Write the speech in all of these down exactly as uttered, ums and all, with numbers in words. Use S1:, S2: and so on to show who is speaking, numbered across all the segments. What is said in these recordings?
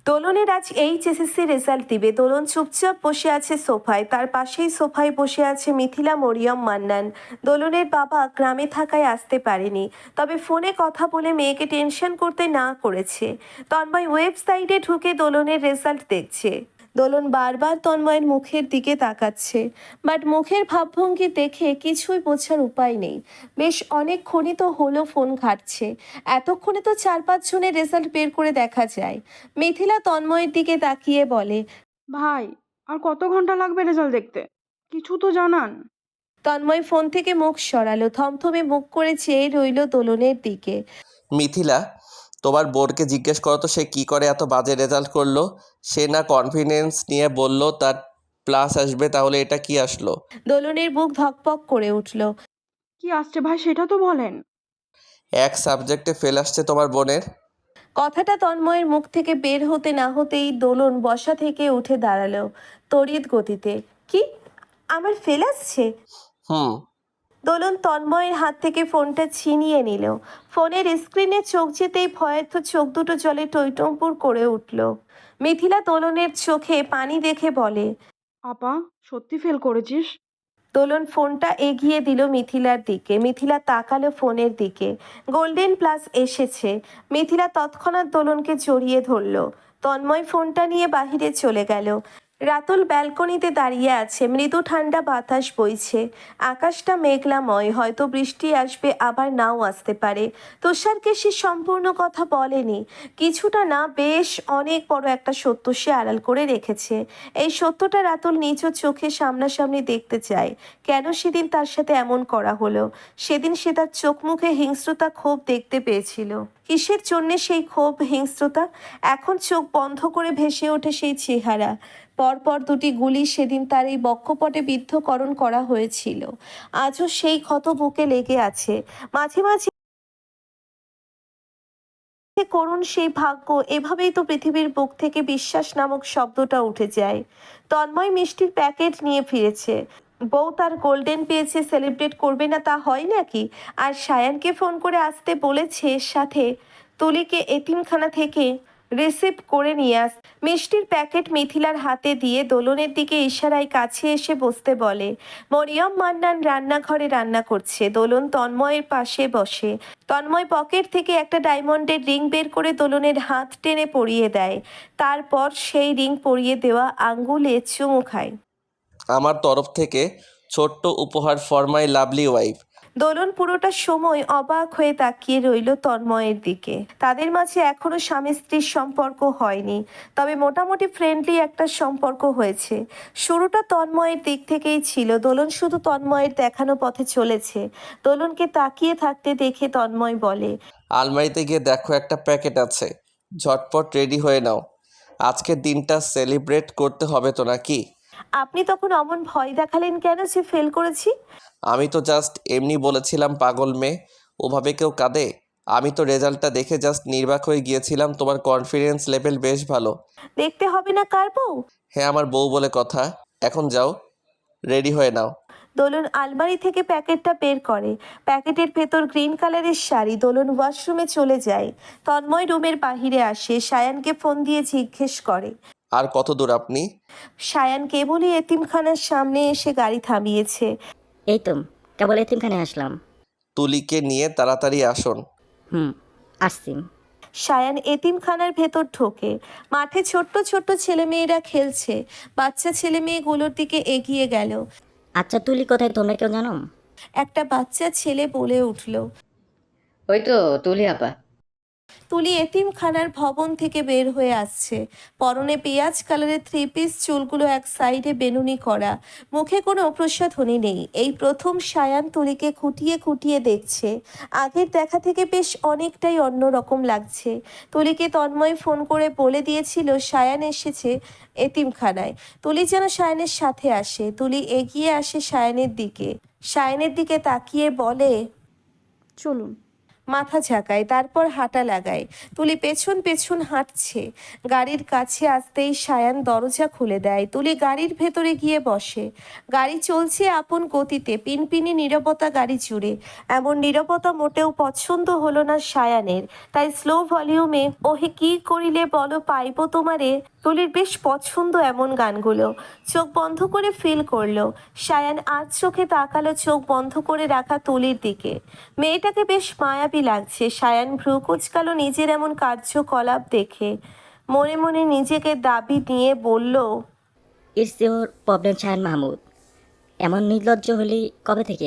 S1: দোলনের আজ H S S C result দিবে। দোলন চুপচাপ বসে আছে সোফায়, তার পাশেই সোফায় বসে আছে মিথিলা, মরিয়ম, মান্নান। দোলনের বাবা গ্রামে থাকায় আসতে পারেনি, তবে ফোনে কথা বলে মেয়েকে টেনশন করতে না করেছে। তন্ময় ওয়েবসাইটে ঢুকে দোলনের রেজাল্ট দেখছে। দোলন বারবার তন্ময়ের মুখের দিকে তাকাচ্ছে, বাট মুখের ভাবভঙ্গি দেখে কিছুই বোঝার উপায় নেই। বেশ অনেকক্ষণই তো হলো ফোন ঘাটছে, এতক্ষণে তো চার পাঁচ জনের রেজাল্ট বের করে দেখা যায়। মিথিলা তন্ময়ের দিকে তাকিয়ে বলে,
S2: ভাই, আর কত ঘন্টা লাগবে রেজাল্ট দেখতে? কিছু তো জানান।
S1: তন্ময় ফোন থেকে মুখ সরালো, থমথমে মুখ করে চেয়ে রইল দোলনের দিকে।
S3: মিথিলা, তোমার বোনকে জিজ্ঞেস করো তো সে কী করে এত বাজে রেজাল্ট করলো। সে না কনফিডেন্স নিয়ে বলল তার প্লাস আসবে, তাহলে এটা কি আসলো?
S1: দোলনের বুক ধকপক করে উঠল।
S2: কি আসছে ভাই, সেটা তো বলেন।
S3: এক সাবজেক্টে ফেল আসছে তোমার বোনের।
S1: কথাটা তন্ময়ের মুখ থেকে বের হতে না হতেই দোলন বসা থেকে উঠে দাঁড়ালো তড়িৎ গতিতে। কি, আমার ফেল আসছে?
S3: হুম।
S1: দোলন তন্ময়ের হাত থেকে ফোনটা ছিনিয়ে নিল। ফোনের স্ক্রিনে চোখ যেতেই ভয়ার্থ চোখ দুটো জলে টইটম্বুর করে উঠল। মিথিলা দোলনের চোখে পানি দেখে বলে,
S2: আপা, সত্যি ফেল করেছিস?
S1: দোলন ফোনটা এগিয়ে দিল মিথিলার দিকে। মিথিলা তাকালো ফোনের দিকে। গোল্ডেন প্লাস এসেছে। মিথিলা তৎক্ষণাৎ দোলনকে জড়িয়ে ধরল। তন্ময় ফোনটা নিয়ে বাহিরে চলে গেল। রাতুল ব্যালকনিতে দাঁড়িয়ে আছে, মৃদু ঠান্ডা বাতাস বইছে। আকাশটা মেঘলাময়, হয়তো বৃষ্টি আসবে, আবার নাও আসতে পারে। তুষারকে সে সম্পূর্ণ কথা বলেনি, কিছুটা না বেশ অনেক বড় একটা সত্য সে আড়াল করে রেখেছে। এই সত্যটা রাতুল নিজ চোখে সামনাসামনি দেখতে চায়। কেন সেদিন তার সাথে এমন করা হলো? সেদিন সে তার চোখ মুখে হিংস্রতা, ক্ষোভ দেখতে পেয়েছিল। কিসের জন্যে সেই ক্ষোভ, হিংস্রতা? এখন চোখ বন্ধ করে ভেসে ওঠে সেই চেহারা। পরপর দুটি গুলি সেদিন তার এই বক্ষপটে বিদ্ধকরণ করা হয়েছিল। আজও সেই ক্ষত বুকে লেগে আছে। মাঝে মাঝে করুণ সেই ভাগ্য, এভাবেই তো পৃথিবীর বুক থেকে বিশ্বাস নামক শব্দটা উঠে যায়। তন্ময় মিষ্টির প্যাকেট নিয়ে ফিরেছে। বউ তার গোল্ডেন পেয়েছে, সেলিব্রেট করবে না তা হয় নাকি? আর সায়ানকে ফোন করে আসতে বলেছে, সাথে তুলিকে এতিমখানা থেকে রিসিভ করে নিয়ে আস। মিষ্টির প্যাকেট মিথিলার হাতে দিয়ে দোলনের দিকে ইশারায় কাছে এসে বসতে বলে। মরিয়ম, মান্নান রান্নাঘরে রান্না করছে। দোলন তন্ময়ের পাশে বসে। তন্ময় পকেট থেকে একটা ডায়মন্ডের রিং বের করে দোলনের হাত টেনে পরিয়ে দেয়। তারপর সেই রিং পরিয়ে দেওয়া আঙ্গুলে চুমু খায়।
S3: আমার তরফ থেকে ছোট্ট উপহার for my lovely wife.
S1: Dolon পুরোটা সময় অবাক হয়ে তাকিয়ে রইল তন্ময়ের দিকে। তাদের মাঝে এখনো স্বামী স্ত্রীর সম্পর্ক হয়নি, তবে মোটামুটি ফ্রেন্ডলি একটা সম্পর্ক হয়েছে। শুরুটা তন্ময়ের দিক থেকেই ছিল। দোলন শুধু তন্ময়ের দেখানো পথে চলেছে। দোলনকে তাকিয়ে থাকতে দেখে তন্ময় বলে,
S3: আলমারিতে গিয়ে দেখো একটা প্যাকেট আছে, ঝটপট রেডি হয়ে নাও। আজকের দিনটা সেলিব্রেট করতে হবে তো নাকি?
S1: আপনি তখন অমন ভয় দেখালেন কেন যে ফেল করেছি?
S3: আমি তো জাস্ট এমনি বলেছিলাম, পাগল মেয়ে, ওভাবে কেউ কাঁদে? আমি তো রেজাল্টটা দেখে জাস্ট নির্বাক হয়ে গিয়েছিলাম। তোমার কনফিডেন্স লেভেল বেশ ভালো।
S1: দেখতে হবে না কার বউ?
S3: হ্যাঁ, আমার বউ বলে কথা। এখন যাও, রেডি হয়ে নাও।
S1: দোলন আলমারি থেকে প্যাকেটটা বের করে। প্যাকেটের ভেতর গ্রিন কালারের শাড়ি। দোলন ওয়াশরুমে চলে যায়। তন্ময় রুমের বাহিরে আসে, সায়ানকে ফোন দিয়ে জিজ্ঞেস করে।
S3: আর কত দূর আপনি?
S1: সায়ান কেবলই এতিমখানার সামনে এসে গাড়ি থামিয়েছে।
S4: এই তো কেবল এতিমখানে আসলাম।
S3: তুলিকে নিয়ে তাড়াতাড়ি আসুন।
S4: হুম, আসছি।
S1: সায়ান এতিমখানার ভেতর ঢোকে। মাঠে ছোট্ট ছোট্ট ছেলেমেয়েরা খেলছে। বাচ্চা ছেলে মেয়েগুলোর দিকে এগিয়ে গেল।
S4: আচ্ছা, তুলি কোথায় তোমরা কেউ জানো?
S1: একটা বাচ্চা ছেলে বলে উঠল।
S5: ওই তো তুলি আপা।
S1: তুলি এতিমখানার ভবন থেকে বের হয়ে আসছে। পরনে পেঁয়াজ কালারের থ্রি পিস, চুলগুলো এক সাইডে বেনুনি করা, মুখে কোনো প্রসাধনী নেই। এই প্রথম সায়ান তুলিকে খুঁটিয়ে খুঁটিয়ে দেখছে। আগের দেখা থেকে বেশ অনেকটাই অন্যরকম লাগছে। তুলিকে তন্ময় ফোন করে বলে দিয়েছিল সায়ান এসেছে এতিমখানায়। তুলি যেন সায়ানের সাথে আসে। তুলি এগিয়ে আসে সায়ানের দিকে। সায়ানের দিকে তাকিয়ে বলে,
S2: চলুন।
S1: মাথা ঝাঁকায়, তারপর হাঁটা লাগায়। তুলি পেছন পেছন হাঁটছে। গাড়ির কাছে আসতেই সায়ান দরজা খুলে দেয়। তুলি গাড়ির ভেতরে গিয়ে বসে। গাড়ি চলছে আপন গতিতে, পিনপিনি নীরবতা গাড়ি জুড়ে। এমন নীরবতা মোটেও পছন্দ হলো না সায়ানের, তাই স্লো ভলিউমে ওহে কি করিলে বলো পাইব তোমারে। তুলির বেশ পছন্দ এমন গানগুলো। চোখ বন্ধ করে ফিল করলো। সায়ান আজ চোখে তাকালো চোখ বন্ধ করে রাখা তুলির দিকে। মেয়েটাকে বেশ মায়াবী লাগছে। সায়ান ভ্রু কুচকালো নিজের এমন কার্যকলাপ দেখে। মনে মনে নিজেকে দাবি নিয়ে বলল,
S4: it's your problem Shayan Mahmud. এমন নির্লজ্জ হলি কবে থেকে?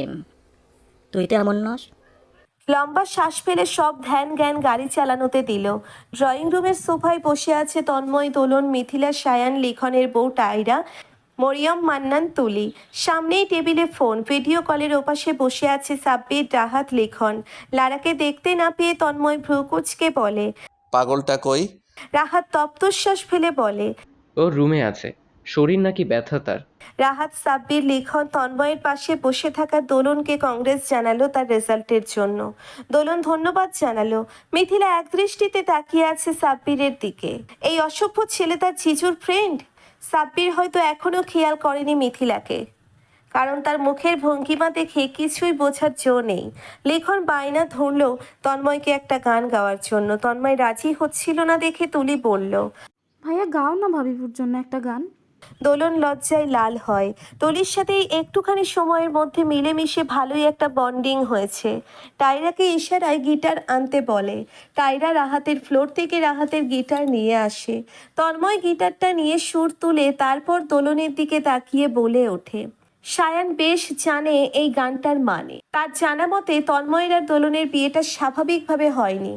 S4: তুই তো এমন নস।
S1: লম্বা শ্বাস ফেলে সব ধ্যান জ্ঞান গাড়ি চালানোতে দিল। ড্রয়িং রুমের সোফায় বসে আছে তন্ময়, দোলন, মিথিলা, সায়ান, লিখনের বউ টাইরা, মরিয়ম, মান্নান, তুলি। সামনেই টেবিলে ফোন। ভিডিও কলের ওপাশে বসে আছে সাব্বির, রাহাত, লিখন। লারাকে দেখতে না পেয়ে তন্ময় ভ্রু কুচকে বলে।
S3: পাগলটা কই?
S1: রাহাত তপ্তশ্বাস ফেলে বলে।
S6: ও রুমে আছে, শরীর নাকি ব্যথা তার।
S1: রাহাত, সাব্বির, লিখন তন্ময়ের পাশে বসে থাকা দোলনকে কংগ্রেস জানালো তার রেজাল্টের জন্য। দোলন ধন্যবাদ জানালো। মিথিলা একদৃষ্টিতে তাকিয়ে আছে সাব্বিরের দিকে। এই অসভ্য ছেলে তার জিজুর ফ্রেন্ড। সাব্বির হয়তো এখনো খেয়াল করেনি মিথিলাকে, কারণ তার মুখের ভঙ্গিমা দেখে কিছুই বোঝার জো নেই। লিখন বায়না ধরল তন্ময়কে একটা গান গাওয়ার জন্য। তন্ময় রাজি হচ্ছিল না দেখে তুলি বলল,
S2: ভাইয়া গাও না ভাবিপুর জন্য একটা গান।
S1: দোলন লজ্জায় লাল হয়। তুলির সাথে এই একটুখানি সময়ের মধ্যে মিলেমিশে ভালোই একটা বন্ডিং হয়েছে। টাইরাকে ইশারায় গিটার আনতে বলে। টাইরা রাহাতের ফ্লোর থেকে রাহাতের গিটার নিয়ে আসে। তন্ময় গিটারটা নিয়ে সুর তুলে তারপর দোলনের দিকে তাকিয়ে বলে ওঠে। সায়ান বেশ জানে এই গানটার মানে। তার জানা মতে তন্ময়ের আর দোলনের বিয়েটা স্বাভাবিকভাবে হয়নি।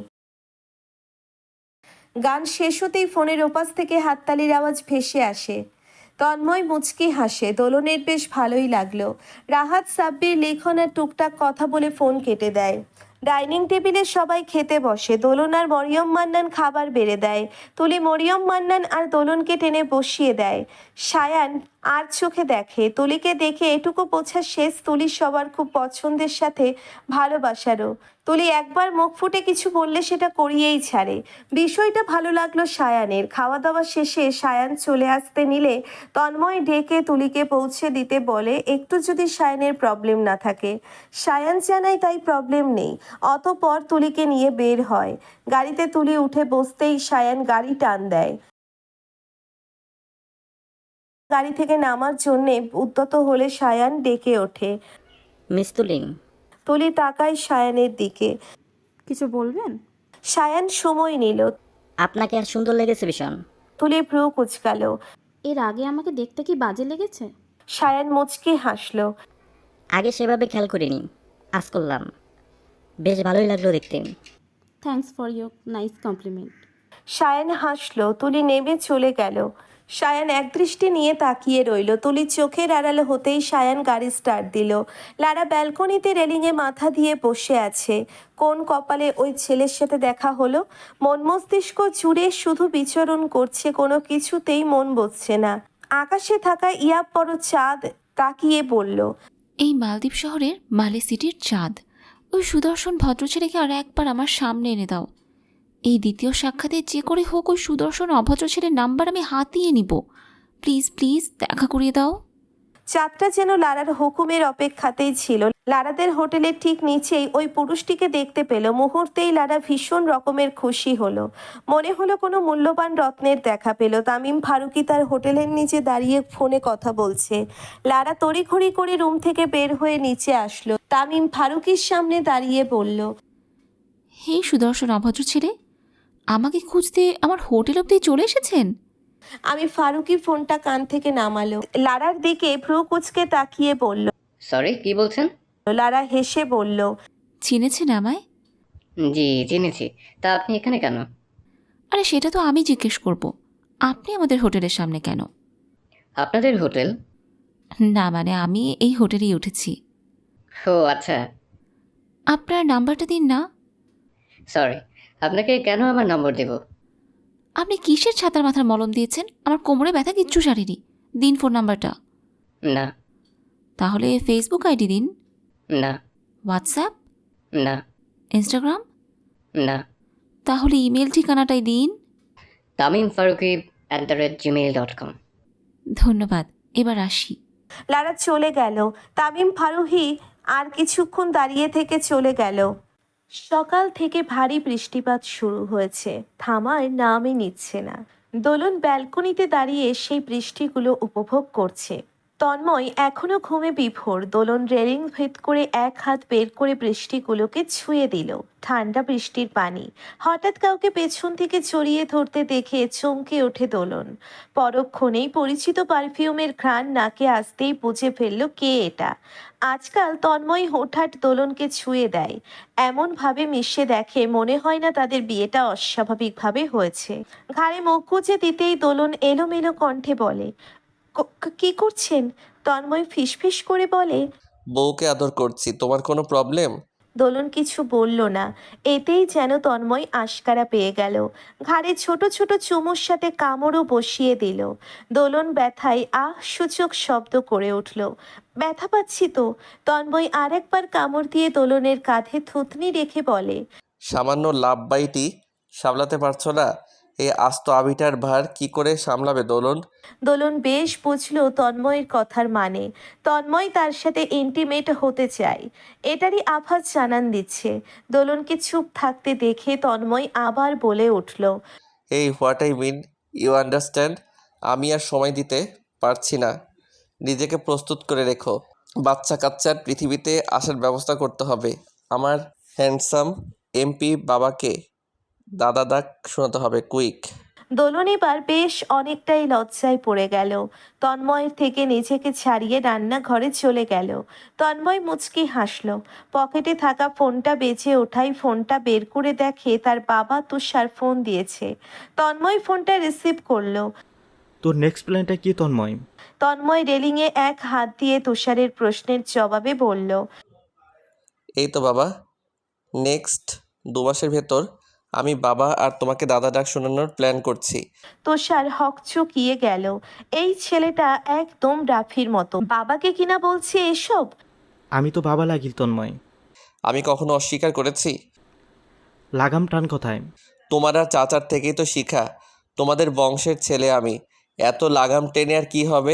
S1: গান শেষ হতেই ফোনের ওপাশ থেকে হাততালির আওয়াজ ভেসে আসে। তন্ময় মুচকি হাসে। দোলনের বেশ ভালোই লাগলো। রাহাত, সাব্বির, লিখন আর টুকটাক কথা বলে ফোন কেটে দেয়। ডাইনিং টেবিলে সবাই খেতে বসে। দোলন আর মরিয়ম মান্নান খাবার বেড়ে দেয়। তুলি মরিয়ম মান্নান আর দোলনকে টেনে বসিয়ে দেয়। সায়ান আর চোখে দেখে। তুলিকে দেখে এটুকু বোঝা শেষ, তুলি সবার খুব পছন্দের সাথে ভালোবাসারও। তুলি একবার মুখ ফুটে কিছু বললে সেটা করিয়েই ছাড়ে। বিষয়টা ভালো লাগলো সায়ানের। খাওয়া দাওয়া শেষে সায়ান চলে আসতে নিলে তন্ময় ডেকে তুলিকে পৌঁছে দিতে বলে, একটু যদি সায়ানের প্রবলেম না থাকে। সায়ান জানায় তাই প্রবলেম নেই। অতঃপর তুলিকে নিয়ে বের হয়। গাড়িতে তুলি উঠে বসতেই সায়ান গাড়ি টান দেয়। গাড়ি থেকে নামার জন্যে উদ্যত হলে সায়ান ডেকে ওঠে।
S4: মিস তুলি।
S1: তুলি তাকায় সায়ানের দিকে।
S2: কিছু বলবেন?
S1: সায়ান সময় নিল।
S4: আপনাকে আর সুন্দর লেগেছে ভীষণ।
S1: তুলি ভ্রু কুচকালো।
S7: এর আগে আমাকে দেখতে কি বাজে লেগেছে?
S1: সায়ান মুচকি হাসলো।
S4: আগে সেভাবে খেয়াল করিনি, আজ করলাম। বেশ ভালোই লাগলো দেখতে।
S7: Thanks for your nice compliment.
S1: Sayan হাসলো। তুলি নেমে চলে গেল। সায়ান একদৃষ্টি নিয়ে তাকিয়ে রইল। তুলি চোখের আড়ালে হতেই সায়ান গাড়ি স্টার্ট দিল। লারা ব্যালকনিতে রেলিংয়ে মাথা দিয়ে বসে আছে। কোন কপালে ওই ছেলের সাথে দেখা হলো? মন মস্তিষ্ক জুড়ে শুধু বিচরণ করছে, কোনো কিছুতেই মন বসছে না। আকাশে থাকা ইয়াব বড় চাঁদ তাকিয়ে বলল,
S8: এই মালদ্বীপ শহরের মালে সিটির চাঁদ, ওই সুদর্শন ভদ্রছেলেকে আর একবার আমার সামনে এনে দাও। এই দ্বিতীয় সাক্ষাতে যে করে হোক ওই সুদর্শন অভদ্র ছেলের নাম্বার আমি হাতিয়ে নিব। প্লিজ প্লিজ দেখা করিয়ে দাও।
S1: চাঁদটা যেন লারার হুকুমের অপেক্ষাতেই ছিল। লারাদের হোটেলের ঠিক নিচেই ওই পুরুষটিকে দেখতে পেল। মুহূর্তেই লারা ভীষণ রকমের খুশি হলো। মনে হলো কোনো মূল্যবান রত্নের দেখা পেল। তামিম ফারুকি তার হোটেলের নিচে দাঁড়িয়ে ফোনে কথা বলছে। লারা তড়িঘড়ি করে রুম থেকে বের হয়ে নিচে আসলো। তামিম ফারুকির সামনে দাঁড়িয়ে বলল,
S8: হে সুদর্শন অভদ্র ছেলে, আমাকে খুঁজতে আমার হোটেল অব্দি চলে এসেছেন?
S1: আমি ফারুকি ফোনটা কান থেকে নামালো। লারার দিকে ভ্রু কুচকে তাকিয়ে বলল।
S5: সরি, কি বলছেন?
S1: লারা হেসে বলল,
S8: চিনেছেন আমায়?
S5: জি চিনেছি। তা আপনি এখানে কেন?
S8: আরে সেটা তো আমি জিজ্ঞেস করব, আপনি আমাদের হোটেলের সামনে কেন?
S5: আপনাদের হোটেল?
S8: না মানে আমি এই হোটেলেই উঠেছি।
S5: ও আচ্ছা।
S8: আপনার নাম্বারটা দিন না।
S5: সরি, আপনাকে কেন আমার নম্বর দেব?
S8: আপনি কিসের ছাতার মাথার মলম দিয়েছেন? আমার কোমরে ব্যথা কিচ্ছু সারেনি। দিন ফোন নাম্বারটা।
S5: না।
S8: তাহলে ফেসবুক আইডি দিন।
S5: না।
S8: হোয়াটসঅ্যাপ?
S5: না।
S8: ইনস্টাগ্রাম?
S5: না।
S8: তাহলে ইমেল ঠিকানাটাই দিন।
S5: Tamim Faruki at the rate gmail dot com.
S8: ধন্যবাদ, এবার আসি।
S1: লারা চলে গেল। তামিম ফারুহি আর কিছুক্ষণ দাঁড়িয়ে থেকে চলে গেল। সকাল থেকে ভারী বৃষ্টিপাত শুরু হয়েছে, থামার নামই নিচ্ছে না। দোলন ব্যালকনিতে দাঁড়িয়ে সেই বৃষ্টিগুলো উপভোগ করছে। তন্ময় এখনো ঘুমে বিভোর। দোলন রেলিং ভেদ করে এক হাত বের করে বৃষ্টিগুলোকে ছুঁয়ে দিল। ঠান্ডা বৃষ্টির পানি। হঠাৎ কাউকে পেছন থেকে জড়িয়ে ধরতে দেখে চমকে ওঠে দোলন। পরক্ষণেই পরিচিত পারফিউমের ঘ্রাণ নাকে আসতেই বুঝে ফেলল কে এটা। আজকাল তন্ময় হঠাৎ দোলনকে ছুঁয়ে দেয়, এমন ভাবে মিশে দেখে মনে হয় না তাদের বিয়েটা অস্বাভাবিকভাবে হয়েছে। ঘাড়ে মুখ গুজে দিতেই দোলন এলোমেলো কণ্ঠে বলে, "ক- ক- কি করছেন?" তন্ময় ফিসফিস করে বলে,
S3: বউকে আদর করছি, তোমার কোনো প্রবলেম?
S1: দোলন কিছু বলল না। এতেই যেন তন্ময় আশকারা পেয়ে গেল। ঘাড়ে ছোট ছোট চুমুর সাথে কামড়ও বসিয়ে দিল। দোলন ব্যথায় আহ সূচক শব্দ করে উঠল। ব্যথা পাচ্ছি তো। তন্ময় আরেকবার কামড় দিয়ে দোলনের কাঁধে থুতনি রেখে বলে,
S3: সামান্য লাভ বাইটি সামলাতে পারছো না? এই আস্ত আবিটার ভার কি করে সামলাবে দোলন?
S1: দোলন বেশ বুঝলো তন্ময়ের কথার মানে। তন্ময় তার সাথে ইন্টিমেট হতে চায়, এটারই আভাস জানান দিচ্ছে। দোলনকে চুপ থাকতে দেখে তন্ময় আবার বলে উঠল,
S3: এই what I mean, you understand? আমি আর সময় দিতে পারছি না। নিজেকে প্রস্তুত করে রেখো। বাচ্চা কাচ্চার পৃথিবীতে আসার ব্যবস্থা করতে হবে। আমার হ্যান্ডসাম এমপি বাবাকে দাদা ডাক শোনাতে হবে, কুইক।
S1: দোলন এবার বেশ অনেকটাই লজ্জায় পড়ে গেল। তন্ময়ের থেকে নিজেকে ছাড়িয়ে রান্নাঘরে চলে গেল। তন্ময় মুচকি হাসল। পকেটে থাকা ফোনটা বেজে ওঠাই ফোনটা বের করে দেখে তার বাবা তুষার ফোন দিয়েছে। তন্ময় ফোনটা রিসিভ করলো।
S9: তোর নেক্সট প্ল্যানটা কি তন্ময়?
S1: তন্ময় রেলিংয়ে এক হাত দিয়ে তুষারের প্রশ্নের জবাবে বলল,
S3: এই তো বাবা, নেক্সট দু মাসের ভেতর আমি বাবা আর তোমাকে দাদা ডাক শোনানোর প্ল্যান করছি।
S1: তুষার হকচকিয়ে গেল। এই ছেলেটা একদম রাফির মতো, বাবাকে কিনা বলছে এসব।
S9: আমি তো বাবা লাগি তন্ময়।
S3: আমি কখনো অস্বীকার করেছি?
S9: লাগাম টান কথায়।
S3: তোমার আর চাচার থেকেই তো শিখা। তোমাদের বংশের ছেলে আমি, এত লাগাম টেনে আর কি হবে?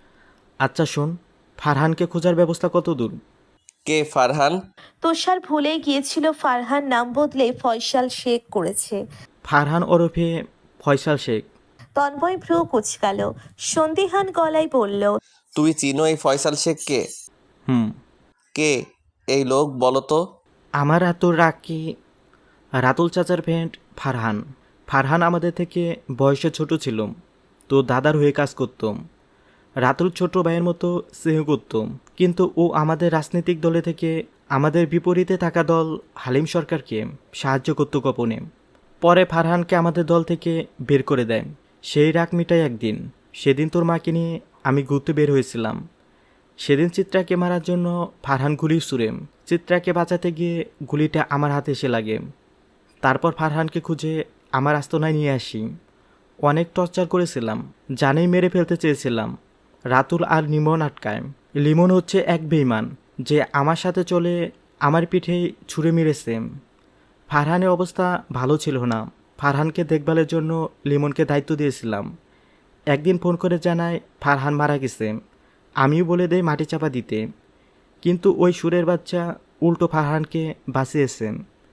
S9: আচ্ছা শোন, ফারহানকে খোঁজার ব্যবস্থা কত দূর?
S3: কে ফারহান?
S1: তুষার ভুলেই গিয়েছিল ফারহান নাম বদলে ফয়সাল শেখ করেছে।
S9: ফারহান ওরফে ফয়সাল শেখ।
S1: তন্ময় ভ্রু কুচকাল, সন্দিহান গলায় বলল,
S3: তুমি চিনো এই ফয়সাল শেখকে?
S9: হুম।
S3: কে এই লোক বলো তো?
S9: আমার এত রাকি রাতুল চাচার ফ্রেন্ড ফারহান। ফারহান আমাদের থেকে বয়সে ছোট ছিল, তো দাদার হয়ে কাজ করতাম। রাতুল ছোট ভাইয়ের মতো স্নেহ করতাম, কিন্তু ও আমাদের রাজনৈতিক দলে থেকে আমাদের বিপরীতে থাকা দল হালিম সরকারকে সাহায্য করত গোপনে। পরে ফারহানকে আমাদের দল থেকে বের করে দেয়। সেই রাগ মিটাই একদিন। সেদিন তোর মাকে নিয়ে আমি ঘুরতে বের হয়েছিলাম। সেদিন চিত্রাকে মারার জন্য ফারহান গুলি ছুড়ে। চিত্রাকে বাঁচাতে গিয়ে গুলিটা আমার হাতে এসে লাগে। তারপর ফারহানকে খুঁজে আমার আস্তনায় নিয়ে আসি। অনেক টর্চার করেছিলাম, জানেই মেরে ফেলতে চেয়েছিলাম। রাতুল আর লিমন আটকায়। লিমন হচ্ছে এক বেঈমান যে আমার সাথে চলে আমার পিঠে ছুঁড়ে মেরেছে। ফারহানের অবস্থা ভালো ছিল না। ফারহানকে দেখভালের জন্য লিমনকে দায়িত্ব দিয়েছিলাম। একদিন ফোন করে জানায় ফারহান মারা গেছে। আমিও বলে দেই মাটি চাপা দিতে, কিন্তু ওই সুরের বাচ্চা উল্টো ফারহানকে বাঁচিয়েছে।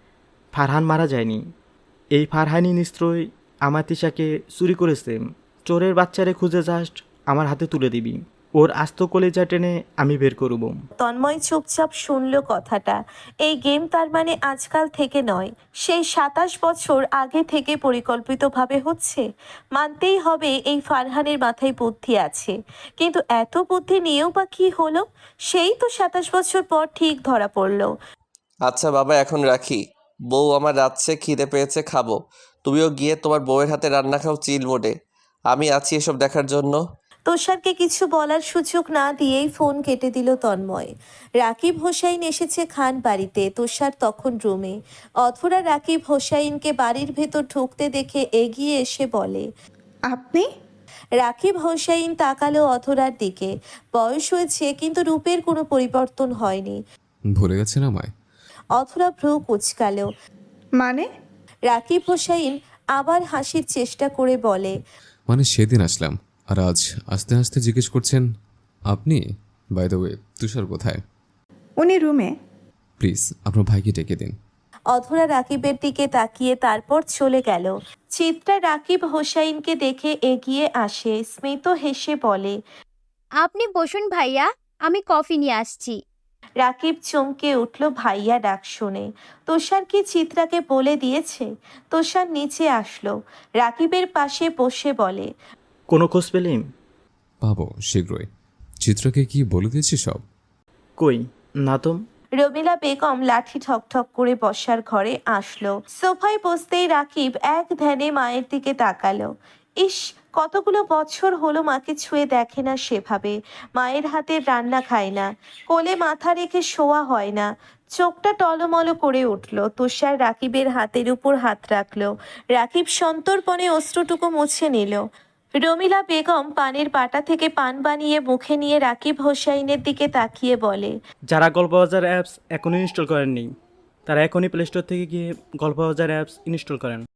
S9: ফারহান মারা যায়নি। এই ফারহানই নিশ্চয়ই আমার তিশাকে চুরি করেছে। চোরের বাচ্চারে খুঁজে জাস্ট আমার হাতে তুলে দিবি, ওর আস্ত কলেজা টেনে আমি বের করব।
S1: তন্ময় চুপচাপ শুনল কথাটা। এই গেম তার মানে আজকাল থেকে নয়, সেই সাতাশ বছর আগে থেকে পরিকল্পিতভাবে হচ্ছে। মানতেই হবে এই ফারহানের মাথায় বুদ্ধি আছে, কিন্তু এত বুদ্ধি নিয়েও বা কি হলো? সেই তো সাতাশ বছর পর ঠিক ধরা পড়লো।
S3: আচ্ছা বাবা, এখন রাখি। বউ আমার রাতছে, খিদে পেয়েছে, খাবো। তুমিও গিয়ে তোমার বউয়ের হাতে রান্না খাও চিল মোডে। আমি আছি এসব দেখার জন্য।
S1: তুষারকে কিছু বলার সুযোগ না দিয়েই ফোন কেটে দিল তন্ময়। রাকিব হোসাইন এসেছে খান বাড়িতে, তুষার তখন রুমে। অথরা রাকিব হোসাইনকে বাড়ির ভেতর ঢুকতে দেখে এগিয়ে এসে বলে,
S2: আপনি?
S1: রাকিব হোসাইন তাকালো অথরার দিকে। বয়স হয়েছে কিন্তু রূপের কোনো পরিবর্তন হয়নি।
S10: ভুলে গেছেন আমায়?
S1: অথরা ভ্রু কুচকালো।
S2: মানে?
S1: রাকিব হোসাইন আবার হাসির চেষ্টা করে বলে,
S10: মানে সেদিন আসলাম আর আজ আস্তে আস্তে জিজ্ঞেস করছেন আপনি? বাই দ্য ওয়ে, তুষার কোথায়?
S2: উনি রুমে।
S10: প্লিজ আপনার ভাইকে ডেকে দিন।
S1: অধরা রাকিবের দিকে তাকিয়ে তারপর চলে গেল। চিত্রা রাকিব হোসাইনকে দেখে এগিয়ে আসে, স্মিত হেসে বলে,
S11: আপনি বসুন ভাইয়া, আমি কফি নিয়ে আসছি।
S1: রাকিব চমকে উঠল ভাইয়া ডাক শুনে। তুষার কি চিত্রাকে বলে দিয়েছে? তুষার নিচে আসলো, রাকিবের পাশে বসে বলে,
S9: কোনো খোঁজ পেলিম?
S10: পাবো শীঘ্রই। চিত্রকে কি বলে দিয়েছি সব?
S9: কই না তো।
S1: রমিলা বেগম লাঠি ঠকঠক করে বসার ঘরে আসলো। সোফায় বসতেই রাকিব এক ধ্যানে মায়ের দিকে তাকালো। ইস, কতগুলো বছর হলো মাকে ছুঁয়ে দেখে না সেভাবে। মায়ের হাতের রান্না খায় না, কোলে মাথা রেখে শোয়া হয় না। চোখটা টলমলো করে উঠল। তুষার রাকিবের হাতের উপর হাত রাখলো। রাকিব সন্তর্পণে অশ্রুটুকু মুছে নিল। রমিলা বেগম পানের পাটা থেকে পান বানিয়ে মুখে নিয়ে রাকিব হোসাইনের দিকে তাকিয়ে বলে,
S9: যারা গল্পবাজার অ্যাপস এখনও ইনস্টল করেননি তারা এখনই প্লে স্টোর থেকে গিয়ে গল্পবাজার অ্যাপস ইনস্টল করেন।